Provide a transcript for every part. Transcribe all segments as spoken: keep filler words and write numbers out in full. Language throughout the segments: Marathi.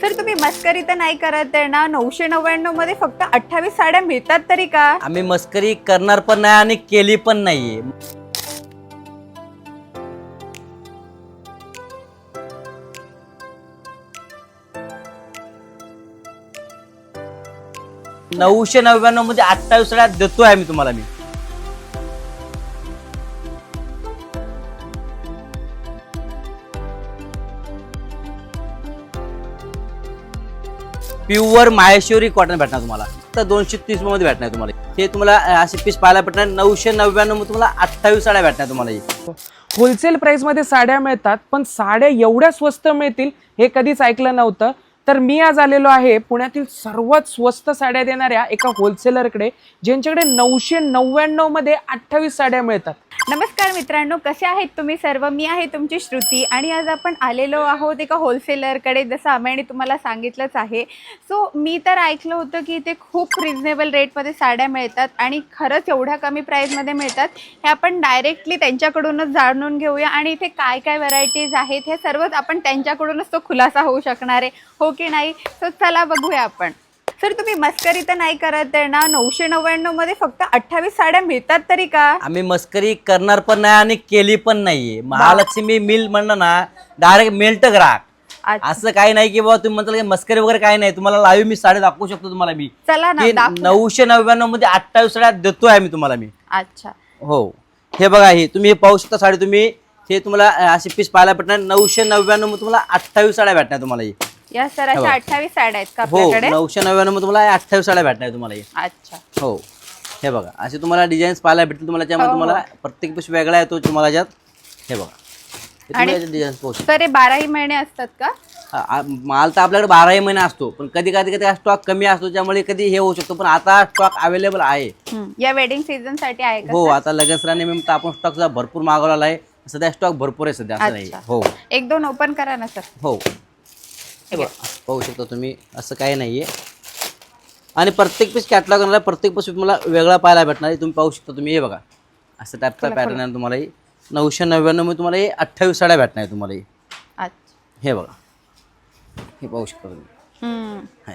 सर तुम्ही मस्करी तर नाही करत आहे ना? नऊशे नव्याण्णव मध्ये फक्त अठ्ठावीस साड्या मिळतात तरी का? आम्ही मस्करी करणार पण नाही आणि केली पण नाहीये. नऊशे नव्याण्णव मध्ये अठ्ठावीस साड्या देतोय आम्ही तुम्हाला. मी प्युअर माहेश्वरी कॉटन भेटणार तुम्हाला. तर दोनशे तीस मध्ये भेटणार तुम्हाला. हे तुम्हाला असे पीस पाहायला भेटणार. नऊशे नव्याण्णव मध्ये तुम्हाला अठ्ठावीस साड्या भेटणार तुम्हाला. होलसेल प्राइस मध्ये साड्या मिळतात, पण साड्या एवढ्या स्वस्त मिळतील हे कधीच ऐकलं नव्हतं. तर मी आज आलेलो आहे पुण्यातील सर्वात स्वस्त साड्या देणाऱ्या एका होलसेलरकडे, ज्यांच्याकडे नऊशे नव्याण्णव मध्ये अठ्ठावीस साड्या मिळतात. नमस्कार मित्रांनो, कसे आहेत तुम्ही सर्व? मी आहे तुमची श्रुती आणि आज आपण आलेलो आहोत एका होलसेलरकडे, जसं आम्ही तुम्हाला सांगितलंच आहे. सो मी तर ऐकलं होतं की इथे खूप रिजनेबल रेटमध्ये साड्या मिळतात आणि खरंच एवढ्या कमी प्राईसमध्ये मिळतात. हे आपण डायरेक्टली त्यांच्याकडूनच जाणून घेऊया आणि इथे काय काय व्हरायटीज आहेत हे सर्वच आपण त्यांच्याकडूनच तो खुलासा होऊ शकणार आहे, हो की नाही? सो चला बघूया आपण. सर तुम्ही मस्करी तर नाही करत आहे ना? नऊशे नव्याण्णव मध्ये फक्त अठ्ठावीस साड्या मिळतात तरी का? आम्ही मस्करी करणार पण नाही आणि केली पण नाहीये. महालक्ष्मी मिल म्हणणं ना, डायरेक्ट मिल्ट ग्राहक. असं काही नाही की बाबा तुम्ही म्हणताल की मस्करी वगैरे काही नाही. तुम्हाला लाईव्ह मी साड्या दाखवू शकतो तुम्हाला. मी चला ना, नऊशे नव्याण्णव मध्ये अठ्ठावीस साड्या देतोय आम्ही तुम्हाला. मी अच्छा हो, हे बघा, हे तुम्ही हे पाहू शकता साडी. तुम्ही हे तुम्हाला असे पीस पाहायला भेटणार. नऊशे नव्याण्णव मध्ये तुम्हाला अठ्ठावीस साड्या भेटणार तुम्हाला. या सर अशा अठ्ठावीस साड्या आहेत का हो, आपल्याकडे? नऊशे नव्याण्णव मध्ये तुम्हाला अठ्ठावीस साड्या भेटणार तुम्हाला. अच्छा हो, हे बघा, असे तुम्हाला डिझाईन्स पाहायला भेटतील तुम्हाला. त्यामध्ये तुम्हाला प्रत्येक पीस वेगळा येतो तुम्हाला याच्यात. हे बघा, डिझाईन्स पाहू शकता. तर हे बाराही महिने असतात का? आ- माल तर आपल्याकडे बाराही महिने असतो, पण कधी कधी कधी स्टॉक कमी असतो, त्यामुळे कधी हे होऊ शकतो. पण आता स्टॉक अवेलेबल आहे. या वेडिंग सीझन साठी आहे का? हो, आता लगेच निमित्त आपण स्टॉक भरपूर मागवलेला आहे. सध्या स्टॉक भरपूर आहे सध्या, असं नाही. हो, एक दोन ओपन करा ना सर. हो, हे बघा, पाहू शकता तुम्ही. असं काही नाहीये. आणि प्रत्येक पीस कॅटलॉग आणला, प्रत्येक पीस तुम्हाला वेगळा पाहायला भेटणार आहे. तुम्ही पाहू शकता तुम्ही. हे बघा, असं टाईपचा पॅटर्न आहे तुम्हाला. नऊशे नव्याण्णव मध्ये तुम्हाला हे अठ्ठावीस साड्या भेटणार आहे तुम्हाला. अच्छा, हे बघा, हे पाहू शकता तुम्ही. हा,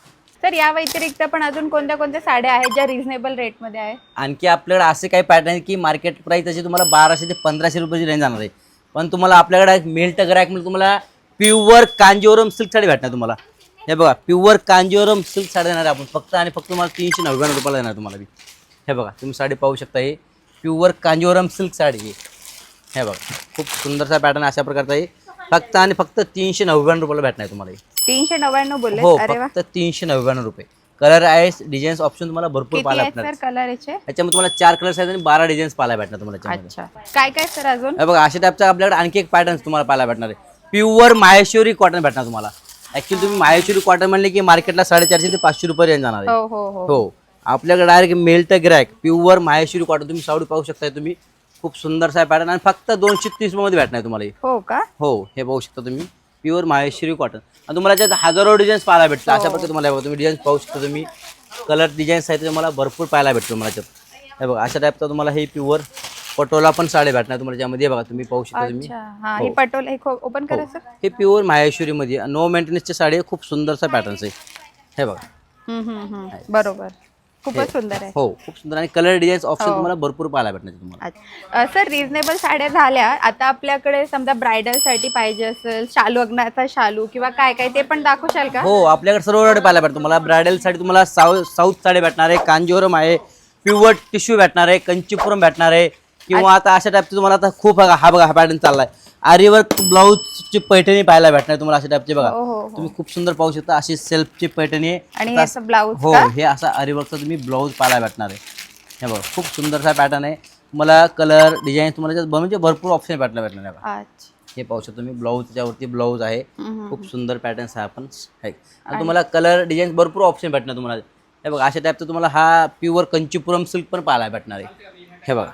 तर या व्यतिरिक्त पण अजून कोणत्या कोणत्या साड्या आहेत ज्या रिझनेबल रेटमध्ये आहे? आणखी आपल्याकडे असे काही पॅटर्न आहे की मार्केट प्राइस अशी तुम्हाला बाराशे ते पंधराशे रुपयाची रेंज जाणार आहे. पण तुम्हाला आपल्याकडे मिल्ट ग्रॅक म्हणजे तुम्हाला प्युअर कांजीवरम सिल्क साडी भेटणार तुम्हाला. हे बघा, प्युअर कांजीवरम सिल्क साडी देणार आपण फक्त आणि फक्त तुम्हाला तीनशे नव्याण्णव रुपयाला देणार तुम्हाला. हे बघा, तुम्ही साडी पाहू शकता. हे प्युअर कांजीवरम सिल्क साडी आहे. हे बघा, खूप सुंदरसा पॅटर्न अशा प्रकारचा आहे. फक्त आणि फक्त तीनशे नव्याण्णव रुपयाला भेटणार तुम्हाला. तीनशे नव्याण्णव बोलले? हो, फक्त तीनशे नव्याण्णव रुपये. कलर आहे, डिझाईन्स ऑप्शन तुम्हाला भरपूर पाहायला भेटणार. कलर याचे याच्यामध्ये तुम्हाला चार कलर्स आहेत आणि बारा डिझाईन्स पाहायला भेटणार तुम्हाला. अच्छा, काय काय सर अजून? हे बघा, अशा टाईपचा आपल्याकडे आणखी एक पॅटर्न तुम्हाला पाहायला भेटणार आहे. प्युअर माहेश्वरी कॉटन भेटणार तुम्हाला. ऍक्च्युली तुम्ही माहेश्वरी कॉटन म्हणले की मार्केटला साडेचारशे ते पाचशे रुपये रेंज जाणार आहे. हो हो हो हो, आपल्याकडे डायरेक्ट मेल्ट ग्रॅक प्युअर माहेश्वरी कॉटन तुम्ही साडी पाहू शकता तुम्ही. खूप सुंदरसा पॅटर्न आणि फक्त दोनशे तीस मध्ये भेटणार तुम्हाला. हो का? हो, हे पाहू शकता तुम्ही. प्युअर माहेश्वरी कॉटन आणि तुम्हाला त्यात हजारो डिझाईन्स पाहायला भेटतात. अशा प्रकारे तुम्हाला तुम्ही डिझाईन्स पाहू शकता तुम्ही. कलर डिझाईन्स आहेत तुम्हाला भरपूर पाहायला भेटतो तुम्हाला त्यात. हे बघा, अशा टाईपचा तुम्हाला हे प्युअर पटोला पण साडी भेटणार तुम्हाला. त्यामध्ये बघा, तुम्ही पाहू शकता तुम्ही. हा, हे पटोला हे ओपन करा सर. हे प्युअर माहेश्वरी मध्ये नो मेंटेनन्सची साडी आहे. खूप सुंदरसा पॅटर्न्स आहे. हे बघा, हम्म हम्म हम्म बरोबर, खूपच सुंदर आहे. हो, खूप सुंदर. आणि कलर डिझाईन्स ऑप्शन तुम्हाला भरपूर पाहायला भेटणार तुम्हाला. सर रिजनेबल साड्या झाल्या, आता आपल्याकडे समजा ब्रायडल साठी पाहिजे असेल, शालू, अग्नाचा शालू किंवा काय काय ते पण दाखवशाल का? हो, आपल्याकडे सर्व पाहायला भेटतं तुम्हाला. ब्रायडल साठी तुम्हाला साऊथ साऊथ साडी भेटणार आहे, कांजीवरम आहे, प्युअर टिश्यू भेटणार आहे, कंचीपुरम भेटणार आहे. किंवा आता अशा टाईपचे तुम्हाला आता खूप बघा, हा बघा हा पॅटर्न चाललाय. आरीवर्क ब्लाऊजची पैठणी पाहायला भेटणार तुम्हाला. अशा टाईपचे बघा, तुम्ही खूप सुंदर पाहू शकता. अशी सेल्फची पैठणी आहे आणि हे ब्लाऊज. हो, हे असा आरीवर्कचा तुम्ही ब्लाऊज पाहायला भेटणार आहे. हे बघा, खूप सुंदरसा पॅटर्न आहे. तुम्हाला कलर डिझाईन तुम्हाला म्हणजे भरपूर ऑप्शन भेटला भेटणार आहे. हे पाहू शकता तुम्ही. ब्लाऊज त्याच्यावरती ब्लाऊज आहे. खूप सुंदर पॅटर्न्स आहे आपण आहे. आणि तुम्हाला कलर डिझाईन भरपूर ऑप्शन भेटणार तुम्हाला. हे बघा, अशा टाईपचं तुम्हाला हा प्युअर कंचीपुरम सिल्क पण पाहायला भेटणार आहे. हे बघा,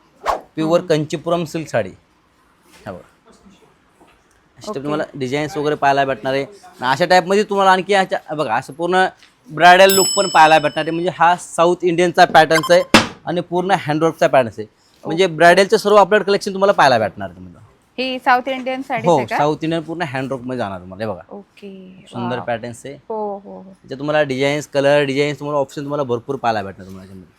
प्युअर कंचीपुरम सिल्क साडी. हे बघा, अशा टाईप तुम्हाला डिझाईन्स वगैरे पाहायला भेटणार आहे. अशा टाईपमध्ये तुम्हाला आणखी ह्याच्या बघा असं पूर्ण ब्रायडल लुक पण पाहायला भेटणार आहे. म्हणजे हा साऊथ इंडियनचा पॅटर्न्स आहे आणि पूर्ण हँडवर्कचा पॅटर्न्स आहे. म्हणजे ब्रायडलचं सर्व आपल्याकडे कलेक्शन तुम्हाला पाहायला भेटणार आहे. ही साऊथ इंडियन साडी हो आहे का? साऊथ इंडियन पूर्ण हँडवर्क मध्ये जाणार तुम्हाला हे बघा. ओके. सुंदर वाव. पॅटर्न्स आहे. हो हो हो. त्याच्यात तुम्हाला डिझाईन्स कलर डिझाईन्स तुम्हाला ऑप्शन तुम्हाला भरपूर पाहायला भेटणार तुम्हाला याच्यामध्ये.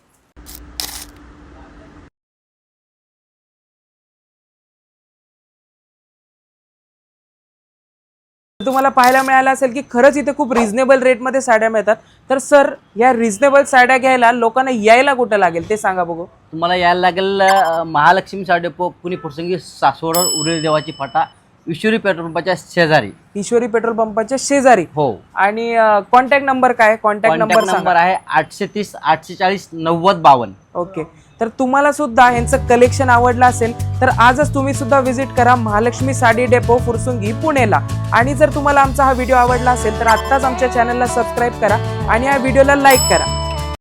तुम्हाला पाहायला मिळालं असेल की खरंच इथे खूप रिझनेबल रेटमध्ये साड्या मिळतात. तर सर या रिझनेबल साड्या घ्यायला लोकांना यायला कुठं लागेल ते सांगा बघू. तुम्हाला यायला लागेल अं, महालक्ष्मी साडी डेपो पुणे फुरसंगी सासवड उरेल देवाची फाटा ईश्वरी पेट्रोल पंपाच्या शेजारी. ईश्वरी पेट्रोल पंपाच्या शेजारी. हो. आणि कॉन्टॅक्ट नंबर काय? कॉन्टॅक्ट नंबर नंबर आहे आठशे तीस आठशे चाळीस नव्वद बावन्न. ओके. तर तुम्हाला सुद्धा यांचं कलेक्शन आवडलं असेल तर आजच तुम्ही सुद्धा व्हिजिट करा महालक्ष्मी साडी डेपो फुरसुंगी पुणेला. आणि जर तुम्हाला आमचा हा व्हिडिओ आवडला असेल तर आत्ताच आमच्या चॅनलला सबस्क्राईब करा आणि या व्हिडिओला लाईक करा.